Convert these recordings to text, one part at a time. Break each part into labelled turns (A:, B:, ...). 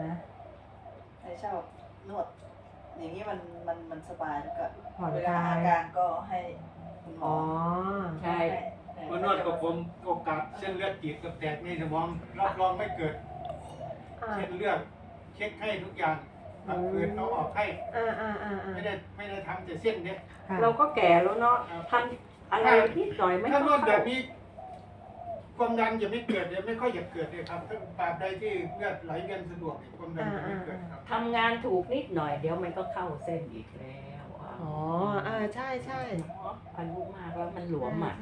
A: นะให้ชอบนวดอย่างนี้มันสบายแล้วก็เวลาอาการก็ให้คุณหมอ
B: ใช่
C: มานวดกับผมโอกาสเส้นเลือดตีบกับแตกในสมองรับรองไม่เกิดเส้นเลือดเช็คให้ทุกอย่างเอาคืนเอาออกให้ไม่ได้ทำแต่เส้นเนี่ย
B: เราก็แก่แล้วเนาะทำอะไรนิดหน่อยไม่ต้
C: ถ้า
B: อง
C: นวดแบบนี้ความดันจะไม่เกิดเลยไม่ค่อยจะเกิดเลยครับถ้าตราบใดที่เลือดไหลเวียนสะดวกความดันจะไม่เกิดครับ
B: ทำงานถูกนิดหน่อยเดี๋ยวมันก็เข้าเส้นอีกแล้ว
D: อ๋อใช่ใช่
B: อายุมากแล้วมันหลวมอ่ะ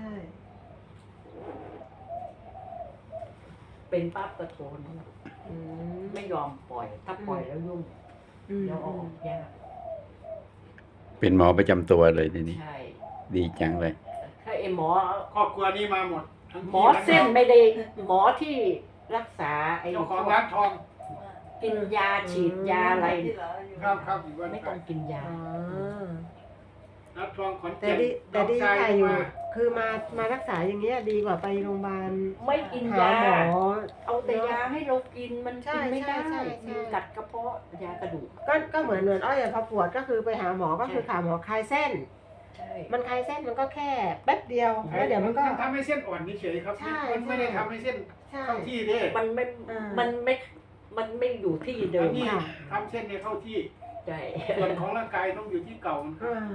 B: เป็นปั๊บกระโถนไม่ยอมปล่อยถ้าปล่อยแล้วยุ่งแล้วออกยาก
E: เป็นหมอประจำตัวเลยทีนี้
B: ใช่
E: ดีจังเลย
B: ถ้าไอหมอ
C: ครอบครัวนี้มาหมด
B: หมอเส้นไม่ได้หมอที่รักษาไอ้
C: เจ้าของร้านทอง
B: กินยาฉีดยาอะไร
C: ครับ
B: ไม่ต้องกินยา
C: ร้านทองขอน
D: แต่
C: แก่น
D: ดีค่ะอยู่คือมารักษาอย่างเงี้ยดีกว่าไปโรงพยาบาล
B: ไม่กินยา
D: หมอ
B: เอาแต่ยาให้เรากินมันกินไม่ได้กัดกระเพาะยากระดูก
D: ก็เหมือนอ้อยพอปวดก็คือไปหาหมอก็คือหาหมอคลายเส้นมันคลายเส้นมันก็แค่แป๊บเดียวแล้วเดี๋ยวมันก็
C: ทำให้เส้นอ่อนเฉยๆครับมันไม่ได้ทำให้เส้นเข้าที่เด้
B: มันไม่อยู่ที่เดิม
C: ทำเส้นให้เข้าที่
B: ใช่
C: ส่วนของร่างกายต้องอยู่ที่เก่า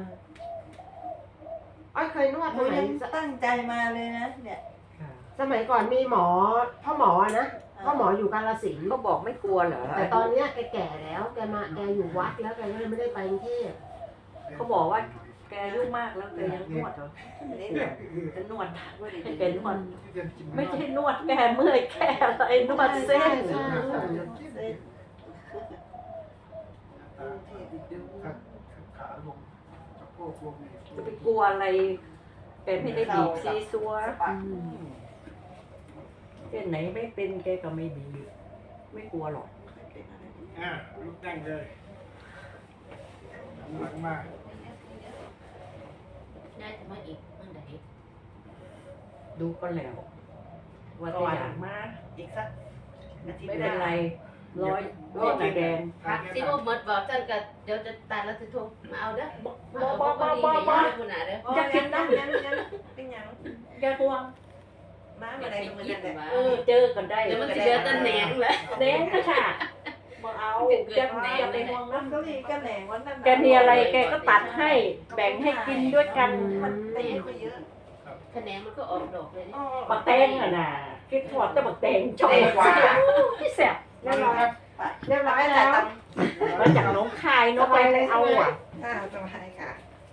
D: อ้อยเคยนวดสมัย
A: ตั้งใจมาเลยนะเนี่ย
D: สมัยก่อนมีหมอพ่อหมอนะพ่อหมออยู่กาฬสินธุ์
B: ก็บอกไม่กลัวเหรอ
D: แต่ตอนเนี้ยแกแก่แล้วแกอยู่วัดแล้วแกก็เลยไม่ได้ไปกรุงเทพ
B: เขาบอกว่าแกอายุมากแล้วแกยังนวดเหรอจะนวดแกนวดไม่ใช่นวดแกเมื่อยแค่อะไรนวดเส้น
C: ขาลงสะโพกลง
B: จะไปกลัวอะไรแกไม่ได้บีบซีซัวเส้นไหนไม่เป็นแกก็ไม่บีบไม่กลัวหรอก
C: ลุกนั่งเลยหลังมา
F: ได้จะมาอีกเมื่อไหร่
B: ดูก็แล้วว่าจะอยากมา
A: อีกสัก
B: ไม่เป็นไรร้อยแดง
F: สิว่าหมดบอกท่านก็เดี๋ยวจะตัดแล้วจะโทรมาเอาเด้อ
B: บ้าจะกินน้ำ
A: เป็นยัง
B: แกห่วง
A: น้ำอะไรตรงนั้นเนี่ย
B: เจอกันได้
F: เดี๋ยวมันจะเดือดตะแหนงเลย
B: แหนงก็ค่ะบอกเอาจะไปห่วงนะ
A: ก็มีก็แหนงวันนั้น
B: แกมีอะไรแกก็ตัดให้แบ่งให้กินด้วยกัน
A: มันตีไปเยอะ
F: แขนงมันก็ออกดอกเลย
B: บักแตงอ่ะนะคิดถอดแต่บักแตงชอบพี่แสบ
D: เรียบร้อยแล้ว
B: มาจากน้องคายน้องไปเอาอ่ะ
A: สบายค่ะ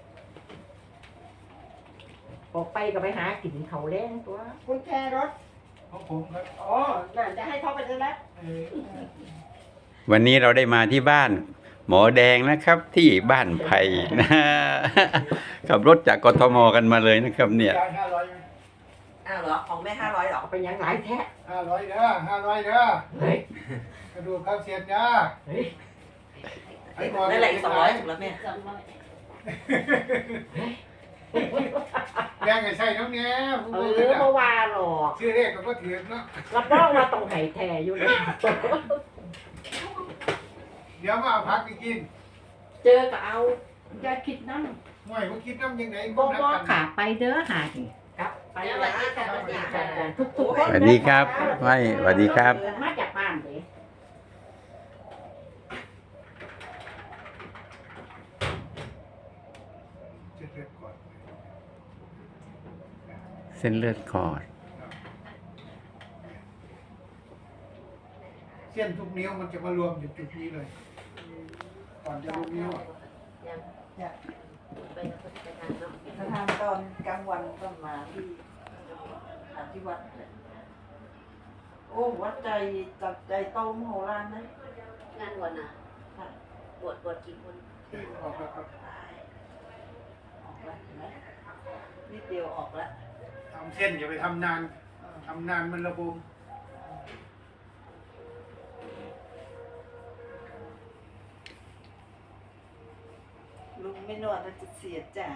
B: ออกไปก็ไปหากินเขาแรงตัว
D: คุณแครถ
C: ของผมครับ
D: น่าจะให้เขาไปเลยแล้ว
E: วันนี้เราได้มาที่บ้านหมอแดงนะครับที่บ้านไผ่นะขับรถจากกทมกันมาเลยนะครับเนี่ย
A: เหรอของแม่500หรอ
B: เป็นยังหลายแท้
C: 500เด้อ500เด้อกระดูกข้าวเสียดเด้อ
A: ได้ละอีก200ถูกแล้วแม่
C: แรงไงใช่น้องเนี้ย
B: เพราะว่าหรอก
C: ชื่อเรียกก็ถือเนาะ
B: รับรองมาตรงไห่แท้อยู่เลย
C: เดี๋ยวมาเอาพักไปกิน
B: เจอก็เอาอย่าคิดนั่ง
C: ห่วยเขาคิดน้ำยังไง
B: บ่ขาไปเด้อหาครับไปแล้วทุก
E: สวัสดีครับไม่สวัสดีครับ
B: มาจากบ้านเลย
E: เส้นเลือดขอด
C: เส้นทุกนิ้วมันจะมารวมอยู่จุดนี้เลยก่อนจะรู้นิ้ว
A: ถ้าทำตอนกลางวันก็มาที่วัดโอ้วัดใจจับใจโตมโหฬารนะ
F: งานวันน่ะบวชกี่คน
C: ออกแล้วครับ
A: ออกแล้วนิดเดียวออกแล้ว
C: ทำเส้นอย่าไปทำนานมันระบม
A: ลุงไม่นวดจะเสียใจ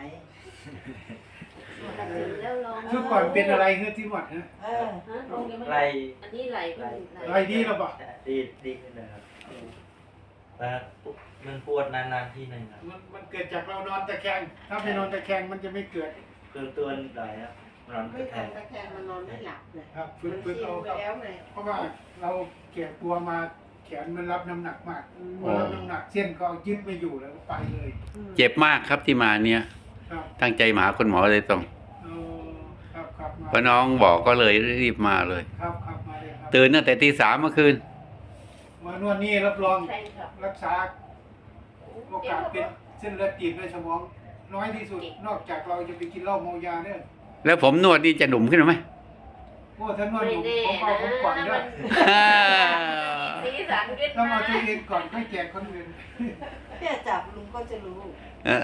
C: ทุกก่อนเป็นอะไรเงี้ยที่หวัดฮะ
F: ไหลอันนี้ไหล
C: ดีหรอปะ
G: ดีขึ้นนะครับแต่มันปวดนานๆทีหนึ่งครับ
C: มันเกิดจากเรานอนตะแคงถ้าไม่นอนตะแคงมันจะไม่เกิด
G: คือตัวไหนครับนอน
D: ไม่
G: กระแท
D: ทำ
G: ก
D: ตะแคงมันนอนไม่หลับเลย
C: ครับ
D: มัน
C: ฝึก
D: ชิ
C: เอา
D: นไป
C: ครับ
D: แล้วไง
C: เพราะว่าเราแก่ตัวมาแขนมันรับน้ำหนักมาก
D: อืม
C: พอรับน้ำหนักเส้นก็ยึดไม่อยู่แล้วก็ไปเลย
E: เจ็บมากครับที่มาเนี่ย
C: ครับ
E: ตั้งใจมาหาคุณหมอเลยตรง
C: ครับครับมา
E: เพราะน้องบอกก็เลยรีบมาเลย
C: ครับครับมาเลยครับ
E: ตื่นตั้งแต่ตี 3เมื่อคืน
C: มานวดนี่รับรอง
F: ใช่ครับ
C: รักษาโอกาสเป็นเส้นเลือดตีบในสมองน้อยที่สุด นอกจากเราจะไปกินเหล้าเมายาเนี่ย
E: แล้วผมนวดนี่จะหนุ่มขึ้นไหม
C: โอ้ถ้านวด
F: ไม่
C: ผม
F: แน่
C: ผมเอาผมก่อน
F: นะ
C: ด้ว
F: มั
C: ย
F: นสีสันขึ้น
C: ต้อง
F: มา
C: เอาตัวเองก่อนค่อยแจกคนอื่น
A: เนี่ยจับลุงก็จะรู้
E: เออ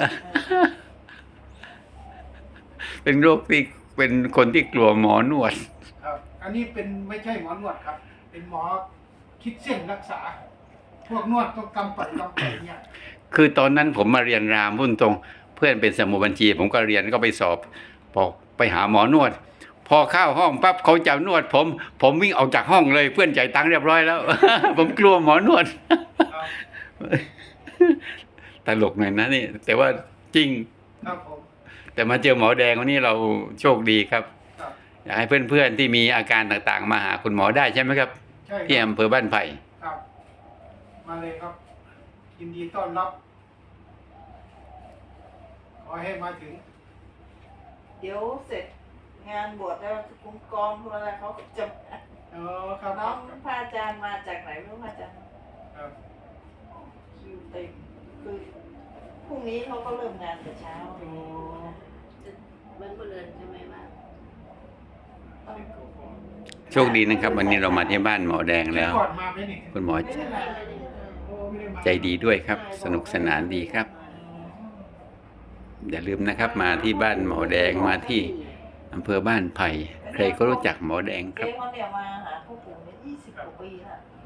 E: เป็นโรคที่เป็นคนที่กลัวหมอนวด
C: ครับ อันนี้เป็นไม่ใช่หมอนวดครับ เป็นหมอคิดเส้นรักษา พวกนวดต้องกำปั่นเนี่ย
E: คือตอนนั้นผมมาเรียนรามพุ่นตรง เพื่อนเป็นสมุดบัญชี ผมก็เรียนก็ไปสอบบอกไปหาหมอนวด พอเข้าห้องปั๊บเขาจะนวดผมวิ่งออกจากห้องเลยเพื่อนจ่ายตังค์เรียบร้อยแล้ว ผมกลัวหมอนวด
C: ครับ
E: ตลกหน่อยนะนี่ แต่ว่าจริง
C: ครับผม
E: แต่มาเจอหมอแดงวันนี้เราโชคดีครับ
C: ครับ
E: อยากให้เพื่อนๆที่มีอาการต่างๆ มาหาคุณหมอได้ใช่ไหมครับ
C: ใช่
E: ที่
C: ครับ
E: อำเภอบ้านไผ่
C: ครับ มาเลยครับ ยินดีต้อนรับ ขอให้มาถึง
A: เดี๋ยวเสร็จงานบวชแล้วคุณกรคุณอะไรเขาจะ
C: อ๋อครับ
A: น้องพระอาจารย์มาจากไหนไม่รู้พระอาจารย์
C: ครับ
A: คิวเต็มคือพรุ่งนี้เขาก็เริ่มงานแต่เช้า
C: โอ้
F: มันก็เรือนใช่ไหมว่า
E: โชคดีนะครับ วันนี้เรามาที่บ้านหมอแดงแล้ว
C: ก่อนมาไหมนี่
E: คุณหมอ
A: ไม่ได้มา
C: โอ้ไม่ได้มา
E: ใจดีด้วยครับ สนุกสนานดีครับ อย่าลืมนะครับ มาที่บ้านหมอแดงมาที่อำเภอบ้านไผ่ใครก็รู้จักหมอแดงค
A: เจ๊
E: รับ
A: เขาเนี่ยมาหาพวกผมเนี่ย20 กว่าปีแล้ว
C: อ